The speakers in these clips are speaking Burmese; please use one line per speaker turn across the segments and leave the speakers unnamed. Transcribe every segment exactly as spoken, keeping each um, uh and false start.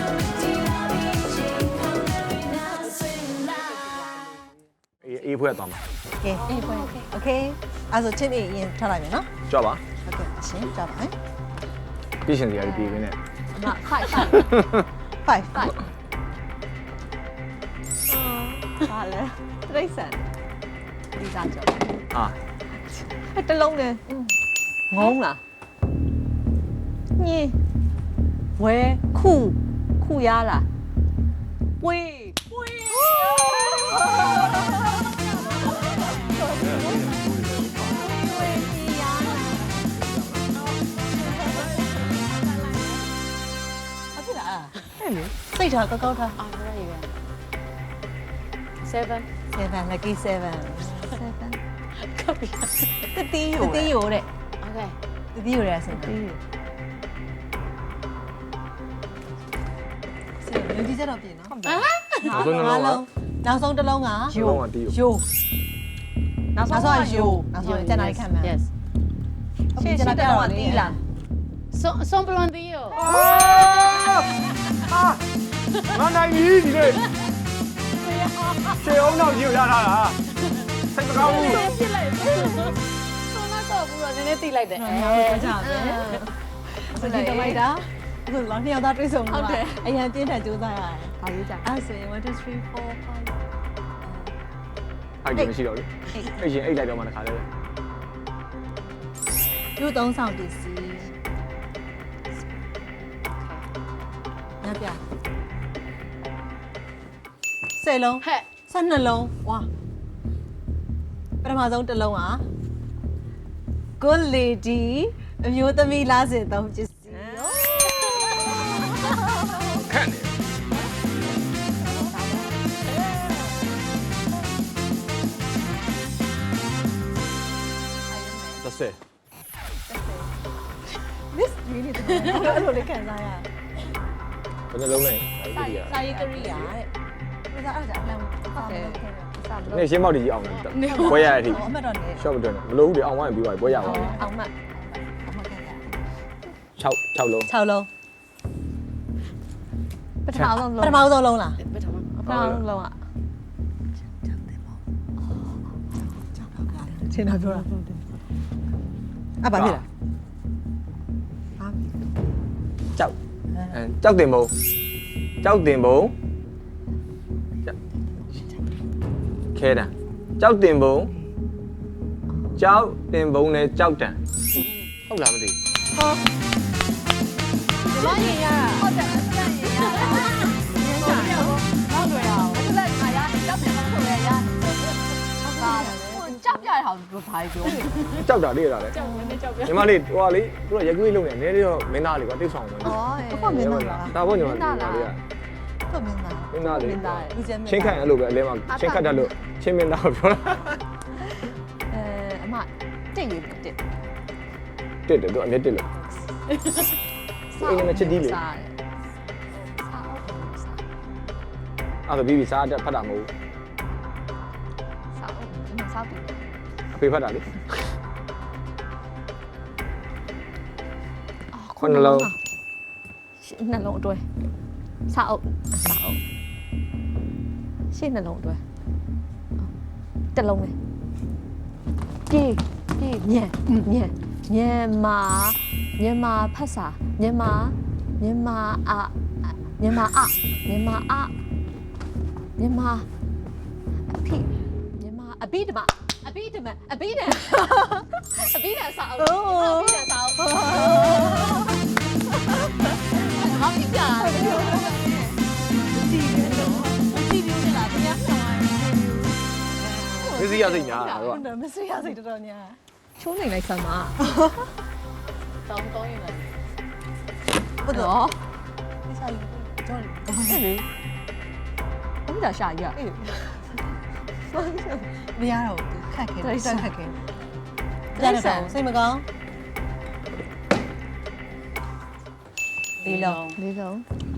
အေးဖွဲ့သွားမှာ
ကဲအေးပွဲโอเคအဲ့ဆိုချင်းအေးရင်ထားလိုက်မယ်နော်
ကြွပါ
ဟုတ်ကဲ့အရှင်ကြောက်ပါမယ်
ပြည်ရှင်စရာကြီးပြည်ရင်းနဲ့
အမခိုက်ခိုက်
five
ခိုက်ဟာလေတိတ်ဆန်ဒီစားကြော
အာ
အဲ့တလုံးနဲ့ငုံလားညင်းဝဲခုခုရလားပွေးပွေး
ဟုတ်ပြီလားအဲ့လေစိတ်ထားကောက်ကောက်ထား
အာရရရseven
seven lucky seven
seven ကပ်ပြီ
တတိယတတိယတဲ့
okay
တတိယရဆိုတတိယလူကြီးကြတော့ပြင်နော်
နောက်ဆုံးနှလုံးက
နောက်ဆုံးတစ်လုံးက
ယိုးကတီးယိုး
ယိုနောက်ဆုံးကယိုနောက်ဆုံးကျန်တာခံမှာ
yes
ရှေ့ရှေ့တော့တီးလား
son son blondillo
ငါနိုင်ပြီဒီနေ့ခြေအောင်တော့ယူရထားတာစိတ်မကောင်းဘူး
ပြစ်လိုက်son တော့ဘူးတော့နည်းနည်းတိလိုက်တယ်
ညောင်းကြပဲစတိတလိုက်တာအခုလောနှစ်ယောက်သားတွေ့ဆုံမှာအရင်တင်းထန်ကြိုးစားရတယ်
ဘာရေးကြ
အဲ့ဆိုရင်one two three four five
အဲ့ဒီမရှိတော့ဘူးအဲ့ရှင်အိတ်လိုက်တော့မှတစ်ခါလဲ
လူသုံးဆောင်ပစ္စည်းညပြဆယ်လုံး
ဟဲ့
ဆယ်နှလုံးဝါပထမဆုံးတစ်လုံးက good lady အမျိုးသမီးလားစင်သုံးပစ္စည်း
ခန့်နေသက်ဆဲ
this really အဲ့လိုလေးခံစားရ
ဘယ်နှလုံးလဲအဲ့ဒီက
စာရေးကရိယာတဲ့ဒါအဲ့ဒါအမှန်ဟုတ်တယ်
နေရှင်းမောက်တကြီးအောင်တယ်ဘွဲရတဲ့အထိ
အမှတ်တော့နေ
ရှော့မတွန်းမလို့ဘူးလေအောင်ဝိုင်းပြီးသွားပြီဘွဲရပါဘူး
အောင်မှတ်အမှတ်ခံရ
6 6လုံး
6လုံး
ပထမဆုံး
ပထမဆုံးလုံးလား
ပထမပထမဆုံးလုံးอ่ะ
ရှင်းတာပြောတာအဘာဖြစ်လဲ
ကြောက်အဲကြောက်တင်ဘုံကြောက်တင်ဘုံခဲတာကြောက်တင်ဘုံကြောက်တင်ဘုံနဲ့ကြောက်တံဟုတ်လားမသိ
ဘာရင်ရဟုတ်တယ်အစရရင်ရဟုတ်တယ်ဟုတ်တယ်အောင်အဲ့ဒါခါရကြောက်တယ်မဟုတ်ရရဟုတ်ပါဘူးကြောက်ပြရအောင်ဘာပြော
ကြောက်တာလေးရတာလေ
ကြောက်နေကြောက်ပြ
ညီမလေးဟိုကလေသူကရက်ကွေးလုံးနေနည်းနည်းတော့မင်းသားလေးကတိတ်ဆောင်ဝင်
ဩဟုတ်မင်းသားလား
ဒါပေါ့ညီမလေးက
ဟုတ်မင်းသား
မင်းသားလေး
လူကျဲမင်း
ချင်းခန့်အဲ့လိုပဲအလဲမှာချင်းခတ်တတ်လို့ချင်းမင်းသားကိုပြောတာ
အဲအမတက်ရတက်
တစ်တယ်သူအမြက်တစ်လို့အိမ်နဲ့ချစ်တီးလေ
စားတယ်
အဲ့ဒါဘီဘီစားတက်ဖတ်တာမဟုတ်
စားအောင်စားပြီ
အဖေဖတ်တာလေခုနှလုံး
နှလုံးအတွဲစားအောင်စားအောင်ရှင်းနှလုံးအတွဲတစ်လုံးပဲပြေးပြေးညံညံမြန်မာမြန်မာဖတ်စာမြန်မာမြန်မာအမြန်မာအမြန်မာအမြန်မာအဖိမြန်မာအဘိဓမ္မာအဘိဓမ္မာအဘိဓမ္မာအဘိဓမ္မာစာအုပ်အဘိဓမ္မာစာအုပ်ဘာဖြစ်ကြလဲကြည့်နေတော့ကြည့်ပြီးလာတယ်
မစ္စည်းရစိတ်ညာတော့
ဟုတ်တယ်မစရစိတ်တော်တော်ညာ
ချိုးနေလိုက်စမ်းပါတောင်းတောင်းရင်လည်း
ဘုဒ္ဓ
တော့
ဒီစားယူတော့
အဲ့လေဘယ်ဒါရှာရ
အေးမရတော့ဘူးခက်ခဲတယ်ခက်ခဲကြားတော့စိတ်မကောင်းဒီလုံး
လေးဆုံး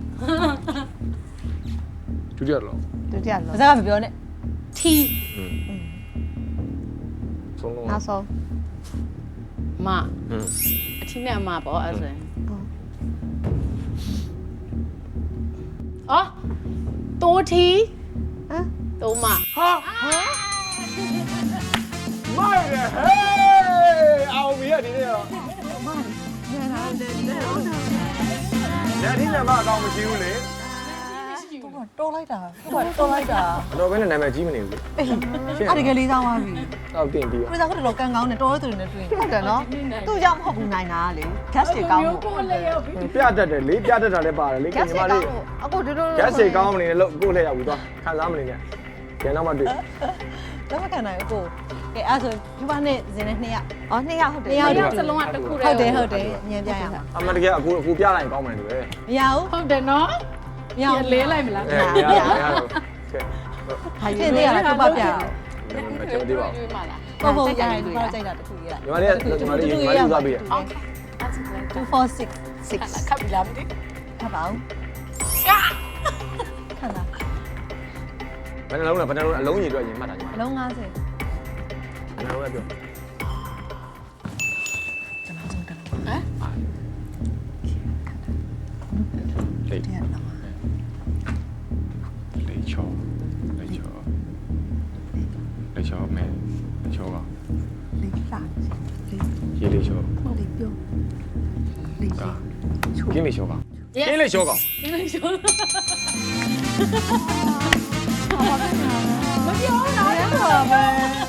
ဒုတိယလုံး
ဒုတိယ
ဘာ
လုံး
သာမပြောနဲ့
ထီ
ဆုံးလုံး
နောက်ဆုံး
မ
อืม
အထီးနဲ့အမပေါ့အဲ့ဆိုရင်အော်တိုးထီ
ဟမ်
တိုးမ
ဟာမိုက်တယ်ဟေးအောင်မီရဒီနေ့တော့
ညနာတယ်ညနာတယ်
ညဒီညမအကောင်မရှိဘူးလေ
တော်လိုက်တာတော်လိုက်တာ
တော့ဘယ်နဲ့နာမည်ကြီးမနေဘူး
အေးအဲ့ဒီကလေးသားသွားပြီ
တောက်တင်ပြီး
ကိုရီးယားကတော့လောကန်ကောင်းနေတော်တဲ့သူတွေနဲ့တွေ့
ဟုတ်တယ်နော်သူ့ကြောင့်မဟုတ်ဘူးနိုင်တာလေ gas တွေကောင်းလို့
ကိုလည်းရောက်ပြီ
ပြတတ်တယ်လေပြတတ်တာလည်းပါတယ်လေ
gas
ညီ
တွေ
မ
ကော
လေး
င်းလို့အခုဒီလို
gas တွေကောင်းမနေနဲ့လို့ကိုယ့်လက်ရောက်ပြီးသွားခံစားမနေနဲ့ကျန်တော့မှတွေ့
လက်မခံနိုင်ဘူးကိုကဲအဲ့ဆိုဒီမနဲ့ဇင်းနဲ့နှစ်ယောက်
အော်နှစ်ယောက်ဟုတ်တယ်
နှစ်ယောက်
စလုံးကတစ်ခုတည်း
ဟုတ်တယ်ဟုတ်တယ်ညံပြရမှာ
အမတကယ်အခုအခုပြလိုက်ရင်ကောင်းမယ်တူပဲ
မရဘူး
ဟုတ်တယ်နော်
မရဘူး
လဲလိုက်မလား
အဲပြရပြရကဲ
ဖြစ်နေရတာကပတ်ပြအောင်
မချင်သေးပါဘူး
တွေ့မှာလား
ပုံပုံရရင်ဒီကတော့ကြိုက်တာတခုရ
ညီမလေးညီမလေးညီမလေးသွားပြီးရ
အော်အဲ့ဒါလည်း
two four six six
ခပ်ပြီလားမသိ
ခပ်ပါဦးခဏ
ဘယ်နှလုံးလဲဘယ်နှလုံးအလုံးကြီးအတွက်ရင်မှတ်တာညီမ
အလုံး50
ဘယ်နှလုံးလဲပြော
ကျွန်တော်ဆုံးတယ်
ဟမ်
လေး
တရားတော့
လေးချောလေးချောလေးချောမဲလေးချောက
လေးလာလေး
ရေလေးချော
လေးပြောလေး
ကကင်းလေးချောကကင်းလေးချောက
ဒီလိုရှိုး
မပြောတာတော့ပဲ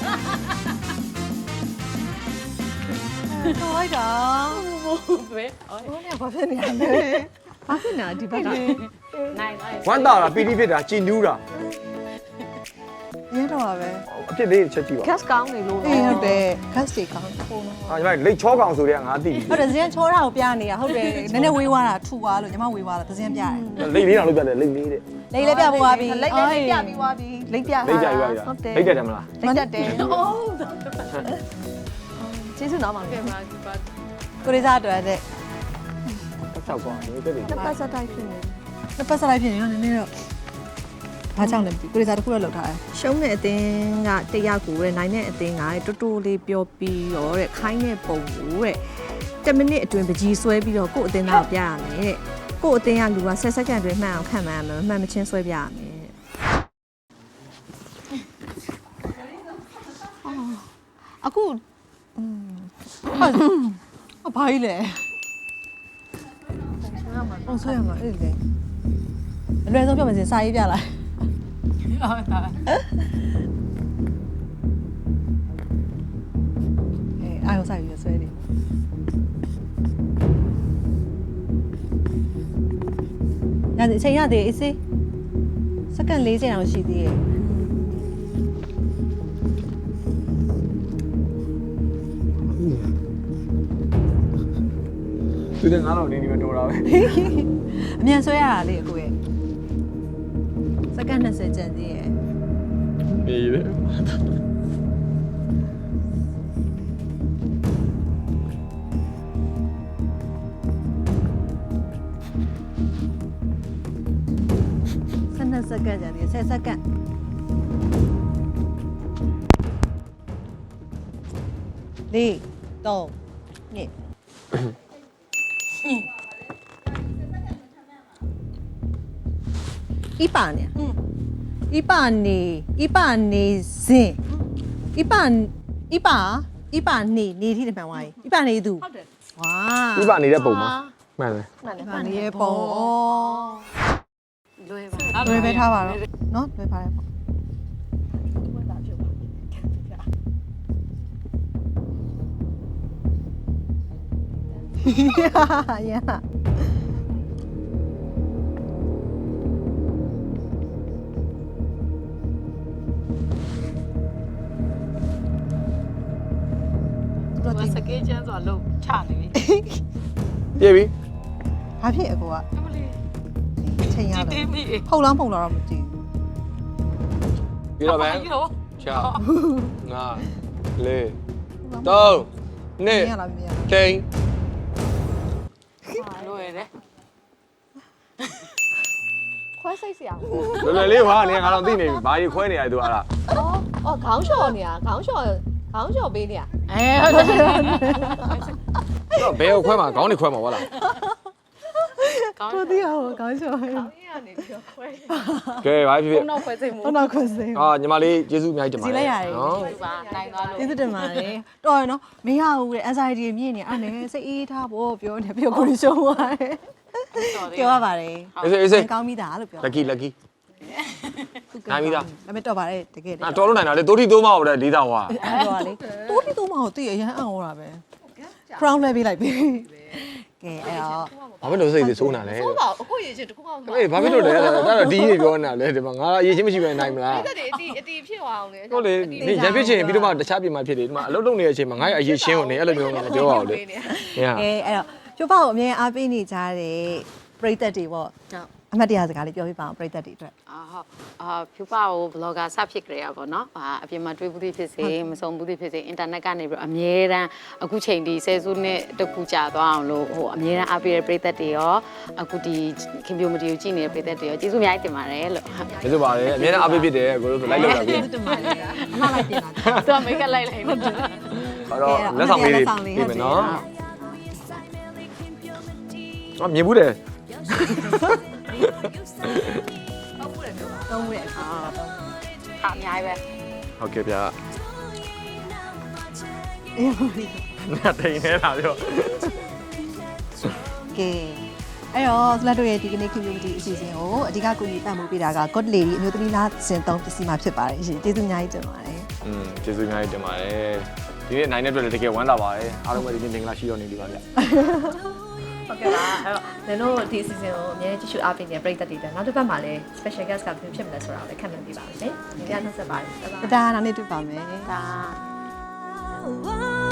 တော်လိုက်တာ
ဘယ်အော်
ဘယ်နဲ့ဘာဖြစ်နေရလဲ
ဘာဖြစ်နေတာဒီဘက်က
နိုင်နိုင်
ဝမ်းတာလားပီတိဖြစ်တာကြည်နူးတာ
ရဲတော့ပဲ
အဖြစ်လေးချက်ကြည့်ပါ
gas ကောင်းနေလို့
အေးဟုတ်တယ် gas တွေကောင်းပုံတော့
ဟာညီမလိတ်ချောကောင်ဆိုတဲ့ငါသိပြီ
ဟုတ်တယ်ဇင်းချောတာကိုပြနေတာဟုတ်တယ်နည်းနည်းဝေးသွားတာထူသွားလို့ညီမဝေးသွားတာဇင်းပြတယ်
လိတ်လေးတောင်လုပ်ပြတယ်လိတ်လေးတဲ့
လေးလေးပြပေါ်သွားပြီ
လိတ်လေးပြပြီးသွားပြီလိတ်ပြ
လိတ်ကြရွာရ
ဟုတ်တယ်
လိတ်တယ်မလား
လိတ်တက်တယ်
အော်
ကျေးဇူးတော်ပါ
ကဲ
မယ်
ပါဒီပါ
ကိုရီးစားအတွက်တဲ့
တစ်ချောက်ကွာဒီတက်တယ်
နှစ်ပတ်ဆက်တိုက်ဖြစ်နေ
နှစ်ပတ်ဆက်လိုက်ဖြစ်နေတော့နည်းနည်းတော့ဘာကြောင့်လဲမသိကိုရီးစားတစ်ခုတော့လောက်ထားတယ်
ရှုံးတဲ့အသင်းကတယောက်ကိုတဲ့နိုင်တဲ့အသင်းကတဲ့တူတူလေးပြောပြီးတော့တဲ့ခိုင်းတဲ့ပုံကိုတဲ့tenမိနစ်အတွင်းပကြီးဆွဲပြီးတော့ကို့အသင်းသားကိုပြရမယ်တဲ့ကို့အသင်းကလူကtenစက္ကန့်အတွင်းမှန်အောင်ခံမှန်းရမယ်မှန်မချင်းဆွဲပြရမယ်တဲ့အခုอืม
ဟာဘာကြီးလဲပုံဆွဲရမှာအဲ့ဒီလေအလွယ်ဆုံးပြောမယ်စင်စာရေးပြလိုက်
အော်ဒါ
အဲအာရုံစိုက်ပြီးဆွဲနေရတယ်အချိန်ရတယ်အေးစေးစက္ကန့်fortyတောင်ရှိသေးရဲ့
သူတဲ့ငါတော့နေနေမတော်တာပဲ
အမြန်ဆွဲရတာလေအခုရဲ့စက္ကန့်twentyကျန်သေးရဲ့
နေတယ်
twelveစက္ကန့်ကျန်သေးရဲ့tenစက္ကန့်လေးသုံးနှစ်一八年，嗯，一八年，一八年生，一八一八一八年年ที่တပံဝိုင်း一八年သူ
ဟုတ်တယ်
ဝါ
ဥပနေတဲ့ပုံမှာမှန်တယ်
မှန်တယ်
一八年ရဲ့ပုံဩ
လွယ်ပါ
လွယ်ပဲထားပါတော့နော်လွယ်ပါတယ်ပေါ့ရရ
သူကစကေးချမ်းဆိုတော့ချနေပြီ
ပြေးပြီ
ဘာဖြစ်အကိုက
အမလေး
ချိန်ရ
ကြည့်
တော့
တင်းပြီ
ဖုတ်လောင်းဖုတ်လောင်းတော့မကြည့်
ပြီးတော့ပဲ
ရော
6 5 4 3
ဘူး
2
ရလားမရ
တိန်
လွယ်တယ်
ခွဲစိတ်စရာ
လွယ်လွယ်လေးဟာနေငါတော့သိနေပြီဘာကြီးခွဲနေရသူအဲ့ဒါ
အော်အော်ခေါင်းလျှော်နေတာခေါင်းလျှော်ခေါင်းလျှော်ပေးနေတာ
အဲဟုတ်တယ်
တော့ဘယ်ကိုခွဲမှာခေါင်းနေခွဲမှာဟုတ်လား
ကောင်း
တော်သေးအောင်ကောင်းချော်ဟဲ့
ကောင်းရနေပြီးတော့ခွဲ
ကဲဘာဖြစ်ဖြစ်
နောက်ခွဲစိတ်မှု
တော့ခွင့်စင်
အာညီမလေးကျေးဇူးအများကြီးတင်ပါတယ်
စီလိုက်ရတယ်
နော်
ပါနိုင်သွားလို့
ကျေးဇူးတင်ပါတယ်တော်ရနော်မရဘူးတဲ့ anxiety မြင့်နေအဲ့နဲ့စိတ်အေးထားဖို့ပြောနေပြောကိုရှုံးသွားတယ်ပြောရပါတယ်
အေးစေးအေးစေး
ကောင်းပြီသားလို့ပြော
lucky lucky နိုင်ပြီသား
ဒါပေမဲ့တော်ပါတယ်တကယ်တည်း
အာတော်လို့နိုင်တာလေတိုးတီတိုးမဟုတ်တဲ့လေးသားဟွာ
အဲ့တော့လေတိုးတီတိုးမအောင်သိရအရန်အံ့ဩတာပဲ crown လဲပေးလိုက်ပြီကဲအဲ့တော့
ဘာဖြစ်လို့စိတ်တွေစိုးနာလဲ
ဟုတ်ပါအခုရေချင်းတစ်ခုမှမ
အေးဘာဖြစ်လို့လဲဒါတော့ဒီနေပြောနေတာလေဒီမှာငါအရေးချင်းမရှိပဲနိုင်မလား
တက်တယ်အတီအတီဖြစ်သွားအောင်လေ
ဟုတ်လေနေရံဖြစ်ချင်ပြီးတော့မှတခြားပြင်မှာဖြစ်တယ်ဒီမှာအလုပ်လုပ်နေတဲ့အချိန်မှာငါ့ရဲ့အရေးချင်းကိုနေအဲ့လိုမျိုးငါမပြောပါဘူးလေဟင်
ကဲအဲ့တော့ကျိုးပေါ့ကိုအမြဲအားပေးနေကြတဲ့ပရိသတ်တွေပေါ့
ဟုတ်
အမှတ်တရစကားလေးပြောပြပါအောင်ပရိသတ်တွေအတွက်
အာဟုတ်အာဖြူပါကို blogger စဖြစ်ကြရပါတော့အာအပြင်မှာတွေ့ဘူးသည်ဖြစ်စေမစုံဘူးသည်ဖြစ်စေအင်တာနက်ကနေပြီးတော့အမြဲတမ်းအခုချိန်ဒီဆယ်စုနှစ်တကူကြာသွားအောင်လို့ဟိုအမြဲတမ်းအားပေးတဲ့ပရိသတ်တွေရောအခုဒီခင်ဗျိုမတီကိုကြည့်နေတဲ့ပရိသတ်တွေရောကျေးဇူးအများကြီးတင်ပါတယ်လို့
ကျေးဇူးပါတယ်အများနဲ့အားပေးဖြစ်တယ်ကိုတို့လိုက်လောက်တာပြီ
ကျေးဇူးတင်ပါတယ်အမှတ်လိုက်တင်တာ
သူကမိတ်ကလိုက်လိုက်နေတာ
အဲ့တော့လက်ဆောင်လေးတွေပြင်မယ်နော်အော်မြင်ဘူးတယ်
သုံးရက်
အာဟာအများကြီးပဲ
ဟုတ်ကဲ့ဗျာ
အေး
ငါတိန်နေတာပြော
ကဲအဲ့တော့စလက်တို့ရဲ့ဒီကနေ့ community အစီအစဉ်ကိုအဓိကကူညီပံ့ပိုးပေးတာက God Lady အမျိုးသမီးလားစင်သုံးပစ္စည်းမှာဖြစ်ပါတယ်ရှင်ကျေးဇူးအများကြီးတင်ပါတယ်
อืมကျေးဇူးအများကြီးတင်ပါတယ်ဒီနေ့နိုင်တဲ့အတွက်လည်းတကယ်ဝမ်းသာပါတယ်အားလုံးပဲဒီနေ့မင်္ဂလာရှိတော်နေပြီပါဗျာ
ဟုတ်ကဲ့ပါအဲ့တော့နင်တို့ဒီအစီအစဉ်ကိုအများကြီးကြည့်ရှုအားပေးနေတဲ့ပရိသတ်တွေအတွက်နောက်တစ်ပတ်မှာလည်း special guest ကဘယ်ဖြစ်မလဲဆိုတာကိုလည်းခက်မှန်းပြပါမယ်ရှင်ဒီကနေ့ဆက်ပါတယ်
ဒါဒါနောက်နေ့တွေ့ပါမယ်
ဒါ
Whoa.